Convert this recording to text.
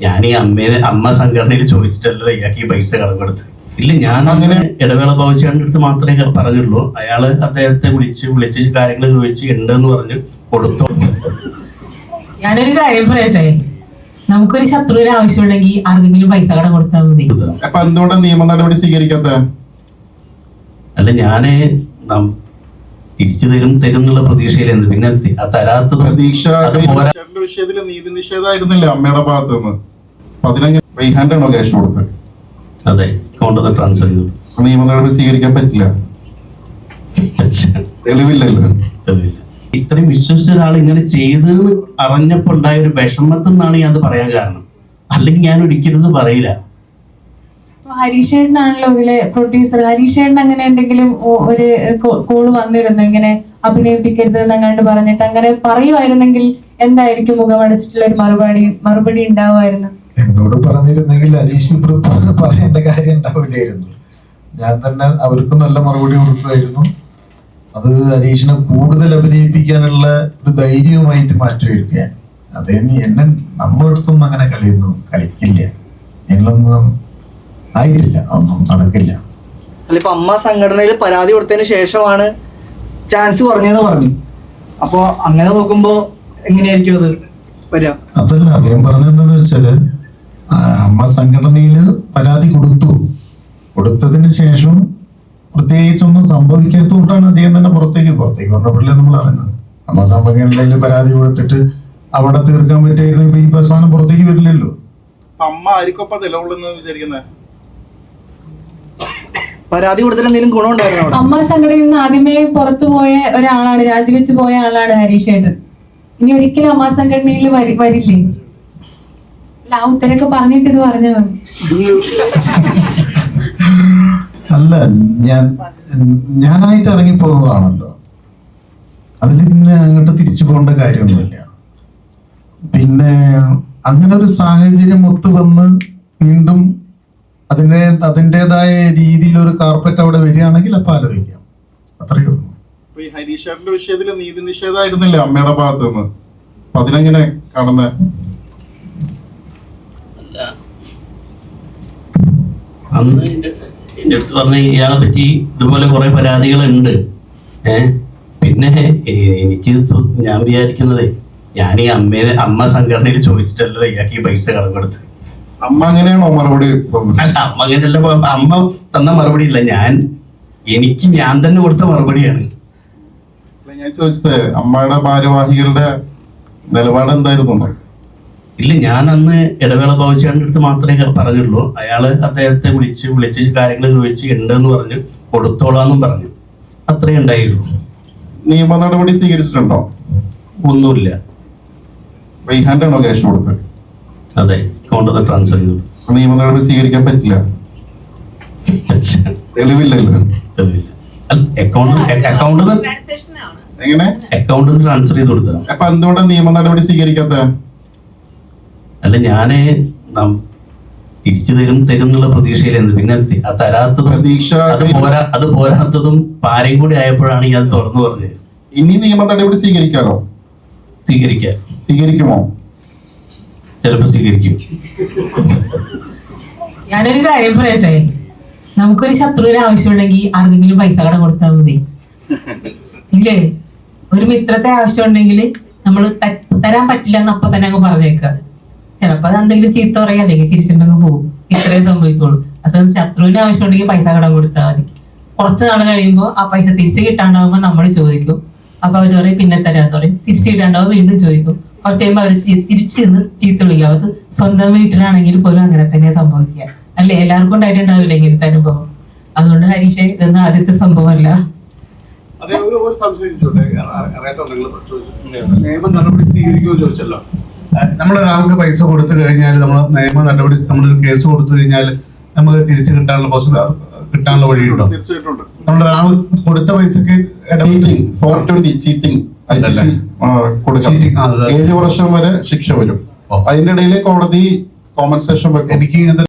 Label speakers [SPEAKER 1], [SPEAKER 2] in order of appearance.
[SPEAKER 1] ഞാൻ ഈ അമ്മ സംഘടനയിൽ ചോദിച്ചിട്ടല്ലോ ഇയാൾക്ക് ഈ പൈസ കടം കൊടുത്ത്. ഇല്ല, ഞാൻ അങ്ങനെ ഇടവേള ബാബുചേട്ടൻ്റെ അടുത്ത് മാത്രമേ പറഞ്ഞുള്ളൂ. അയാള് അദ്ദേഹത്തെ വിളിച്ച് കാര്യങ്ങൾ ചോദിച്ച് ഉണ്ടെന്ന് പറഞ്ഞു കൊടുത്തു.
[SPEAKER 2] ഞാനൊരു കാര്യം പറയട്ടെ, നമുക്കൊരു ശത്രുവിന് ആവശ്യമുണ്ടെങ്കിൽ ആർക്കെങ്കിലും പൈസ കടം കൊടുത്താൽ മതി.
[SPEAKER 3] അപ്പൊ എന്തുകൊണ്ടാണ് നിയമ നടപടി സ്വീകരിക്കാത്ത?
[SPEAKER 1] അല്ല, ഞാന് തിരിച്ചു തരും എന്നുള്ള പ്രതീക്ഷയിലെന്ത്, പിന്നെ തരാത്തത്
[SPEAKER 3] പ്രതീക്ഷ വിഷയത്തിൽ നീതി നിഷേധമായിരുന്നില്ല അമ്മയുടെ ഭാഗത്ത് നിന്ന്. അപ്പൊ അതിനെങ്ങനെ റീഹാൻഡാണോ ക്യാഷ് കൊടുത്തത്?
[SPEAKER 1] അതെ, അക്കൗണ്ടിൽ ട്രാൻസ്ഫർ ചെയ്തു.
[SPEAKER 3] നിയമ നടപടി സ്വീകരിക്കാൻ പറ്റില്ല, തെളിവില്ലല്ലോ.
[SPEAKER 1] ഇത്രയും വിശ്വസിച്ച ഒരാൾ ഇങ്ങനെ ചെയ്തെന്ന് അറിഞ്ഞപ്പോൾ ഉണ്ടായ ഒരു വിഷമത്തിൽ നിന്നാണ് ഞാൻ അത് പറയാൻ കാരണം. അല്ലെങ്കിൽ ഞാൻ ഒരിക്കലും പറയില്ല.
[SPEAKER 2] ഹരീഷേട്ടനാണല്ലോ ഇതിലെ പ്രൊഡ്യൂസർ. ഹരീഷേട്ടൻ അങ്ങനെ എന്തെങ്കിലും ഒരു കോള് വന്നിരുന്നു ഇങ്ങനെ അഭിനയിപ്പിക്കരുത് എന്നങ്ങാണ്ട് പറഞ്ഞിട്ട്? അങ്ങനെ പറയുമായിരുന്നെങ്കിൽ എന്തായിരിക്കും മുഖമടച്ചിട്ടുള്ള ഒരു മറുപടി ഉണ്ടാവുമായിരുന്നു?
[SPEAKER 4] എന്നോട് പറഞ്ഞിരുന്നെങ്കിൽ ഹരീഷ് പറയേണ്ട കാര്യം ഉണ്ടാവില്ലായിരുന്നു. ഞാൻ തന്നെ അവർക്ക് നല്ല മറുപടി കൊടുക്കുമായിരുന്നു. അത് ഹരീഷിനെ കൂടുതൽ അഭിനയിപ്പിക്കാനുള്ള ഒരു ധൈര്യവുമായിട്ട് മാറ്റുമായിരുന്നു ഞാൻ. അതേ എന്നെ നമ്മളടുത്തൊന്നും അങ്ങനെ കളിക്കില്ല, ഞങ്ങളൊന്നും ആയിട്ടില്ല, ഒന്നും നടക്കില്ല.
[SPEAKER 5] അല്ല, ഇപ്പൊ അമ്മ സംഘടനയിൽ പരാതി കൊടുത്തതിന് ശേഷമാണ് ചാൻസ് കുറഞ്ഞെന്ന് പറഞ്ഞു. അപ്പൊ അങ്ങനെ നോക്കുമ്പോ എങ്ങനെയായിരിക്കും അത് വരിക?
[SPEAKER 4] അതല്ല, അദ്ദേഹം പറഞ്ഞെന്താന്ന് വെച്ചാല് അമ്മ സംഘടനയില് പരാതി കൊടുത്തതിന് ശേഷം പ്രത്യേകിച്ചൊന്നും സംഭവിക്കാത്തതുകൊണ്ടാണ് അദ്ദേഹം തന്നെ പുറത്തേക്ക് പറഞ്ഞപ്പോഴല്ലേ നമ്മൾ അറിയുന്നത്. അമ്മ സംഘടനയിൽ പരാതി കൊടുത്തിട്ട് അവിടെ തീർക്കാൻ പറ്റിയായിരുന്നു ഇപ്പൊ ഈ പ്രസ്ഥാനം പുറത്തേക്ക് വരില്ലല്ലോ.
[SPEAKER 3] അമ്മ ആർക്കൊപ്പം നിലകൊള്ളുന്നത് വിചാരിക്കുന്നത്?
[SPEAKER 5] പരാതി കൊടുത്തിട്ട് എന്തെങ്കിലും ഗുണമുണ്ടായിരുന്നു?
[SPEAKER 2] അമ്മ സംഘടനയിൽ നിന്ന് ആദ്യമേ പുറത്തു പോയ ഒരാളാണ്, രാജിവെച്ച് പോയ ആളാണ് ഹരീഷേട്ടൻ. ഇനി ഒരിക്കലും അമ്മ സംഘടനയിൽ വരില്ലേ? അല്ല, ആ ഉത്തരൊക്കെ പറഞ്ഞിട്ട് ഇത് പറഞ്ഞാൽ മതി.
[SPEAKER 4] അല്ല, ഞാനായിട്ട് ഇറങ്ങിപ്പോകുന്നതാണല്ലോ, അതിൽ പിന്നെ അങ്ങോട്ട് തിരിച്ചു പോകേണ്ട കാര്യമൊന്നുമില്ല. പിന്നെ അങ്ങനെ ഒരു സാഹചര്യം ഒത്തു വന്ന് വീണ്ടും അതിൻ്റെതായ രീതിയിൽ ഒരു കാർപ്പറ്റ് അവിടെ വരികയാണെങ്കിൽ അപ്പൊ ആലോചിക്കാം, അത്രയേ ഉള്ളൂ.
[SPEAKER 3] ഈ ഹരീഷേട്ടന്റെ വിഷയത്തിൽ നീതി നിഷേധമായിരുന്നില്ല അമ്മയുടെ ഭാഗത്ത് നിന്ന്. അപ്പൊ അതിനെങ്ങനെ കാണുന്നത്?
[SPEAKER 1] അന്ന് എൻ്റെ അടുത്ത് പറഞ്ഞ ഇയാളെ പറ്റി ഇതുപോലെ കുറെ പരാതികളുണ്ട്. പിന്നെ എനിക്ക് ഞാൻ വിചാരിക്കുന്നത്, ഞാൻ ഈ അമ്മ സംഘടനയിൽ ചോദിച്ചിട്ടല്ലോ ഇയാൾക്ക് ഈ പൈസ കടം കൊടുത്ത്.
[SPEAKER 3] അമ്മ അങ്ങനെയാണോ മറുപടി?
[SPEAKER 1] അല്ല, അമ്മ അങ്ങനെയല്ല. അമ്മ തന്ന മറുപടി ഇല്ല, ഞാൻ തന്നെ കൊടുത്ത മറുപടിയാണ്.
[SPEAKER 3] ഞാൻ ചോദിച്ചത് അമ്മയുടെ ഭാരവാഹികളുടെ നിലപാട് എന്തായിരുന്നു?
[SPEAKER 1] ഇല്ല, ഞാൻ അന്ന് ഇടവേള ബാബുചേട്ടൻ്റെ അടുത്ത് മാത്രമേ പറഞ്ഞുള്ളൂ. അയാള് അദ്ദേഹത്തെ വിളിച്ച് കാര്യങ്ങൾ ചോദിച്ച് ഉണ്ടെന്ന് പറഞ്ഞു കൊടുത്തോളാന്നും പറഞ്ഞു. അത്രേ ഉണ്ടായുള്ളൂ.
[SPEAKER 3] നിയമ നടപടി സ്വീകരിച്ചിട്ടുണ്ടോ?
[SPEAKER 1] ഒന്നുമില്ല.
[SPEAKER 3] റീഹാൻഡാണോ ക്യാഷ് കൊടുത്തത്?
[SPEAKER 1] അതെ, അക്കൗണ്ടിൽ ട്രാൻസ്ഫർ ചെയ്തു.
[SPEAKER 3] നിയമ നടപടി സ്വീകരിക്കാൻ പറ്റില്ല, തെളിവില്ലല്ലോ. എങ്ങനെ
[SPEAKER 1] അക്കൗണ്ടിൽ ട്രാൻസ്ഫർ ചെയ്ത് കൊടുത്തത്?
[SPEAKER 3] അപ്പൊ എന്തുകൊണ്ടാണ് നിയമ നടപടി സ്വീകരിക്കാത്ത?
[SPEAKER 1] അല്ല, ഞാന് തിരിച്ചു തരും എന്നുള്ള പ്രതീക്ഷയിലെന്ത്, പിന്നെ തരാത്തത്
[SPEAKER 3] പ്രതീക്ഷ
[SPEAKER 1] അത് പോരാത്തതും പാരയും കൂടി ആയപ്പോഴാണ് ഞാൻ തുറന്നു പറഞ്ഞത്.
[SPEAKER 3] ഇനി നിയമ നടപടി സ്വീകരിക്കാമോ? സ്വീകരിക്കുമോ?
[SPEAKER 1] ചിലപ്പോ സ്വീകരിക്കും.
[SPEAKER 2] ഞാനൊരു കാര്യം പറയട്ടെ, നമുക്കൊരു ശത്രുവിന് ആവശ്യമുണ്ടെങ്കിൽ ആർക്കെങ്കിലും പൈസ കടം കൊടുത്താൽ മതി. ഇല്ലേ? ഒരു മിത്രത്തെ ആവശ്യമുണ്ടെങ്കിൽ നമ്മൾ തരാൻ പറ്റില്ല എന്ന് അപ്പൊ തന്നെ അങ്ങ് പറഞ്ഞേക്കുക. ചിലപ്പോ അത് എന്തെങ്കിലും ചീത്ത പറയാ, അല്ലെങ്കിൽ ചിരിച്ചിട്ടുണ്ടെങ്കിൽ പോകും. ഇത്രേ സംഭവിക്കുള്ളൂ. അസൽ ശത്രുവിന് ആവശ്യമുണ്ടെങ്കിൽ പൈസ കടം കൊടുത്താൽ മതി. കുറച്ച് നാൾ കഴിയുമ്പോൾ ആ പൈസ തിരിച്ചു കിട്ടാണ്ടാവുമ്പോൾ നമ്മൾ ചോദിക്കും. അപ്പൊ അവർ പറയും പിന്നെ തരാന്ന് പറയും. തിരിച്ചു കിട്ടാണ്ടാവും, വീണ്ടും ചോദിക്കും. കുറച്ച് കഴിയുമ്പോൾ അവർ തിരിച്ചു നിന്ന് ചീത്ത വിളിക്കുക. അത് സ്വന്തം വീട്ടിലാണെങ്കിൽ പോലും അങ്ങനെ തന്നെ സംഭവിക്കുക. അല്ലേ? എല്ലാവർക്കും ഉണ്ടായിട്ടുണ്ടാവില്ല ഇങ്ങനത്തെ അനുഭവം. അതുകൊണ്ട് ഹരീഷ് ഇതൊന്നും ആദ്യത്തെ സംഭവമല്ല.
[SPEAKER 6] നിയമ നടപടി സ്വീകരിക്കുമോ ചോദിച്ചല്ലോ. നമ്മളൊരാൾക്ക് പൈസ കൊടുത്തു കഴിഞ്ഞാൽ നമ്മൾ നിയമ നടപടി, നമ്മളൊരു കേസ് കൊടുത്തു കഴിഞ്ഞാൽ നമുക്ക് തിരിച്ചു കിട്ടാനുള്ള വഴിയുണ്ടോ? നമ്മളൊരാൾ കൊടുത്ത പൈസക്ക്
[SPEAKER 3] 7 വർഷം വരെ ശിക്ഷ വരും. അതിന്റെ ഇടയിൽ കോടതി കോമ്പൻസേഷൻ വെക്കും.
[SPEAKER 6] എനിക്ക്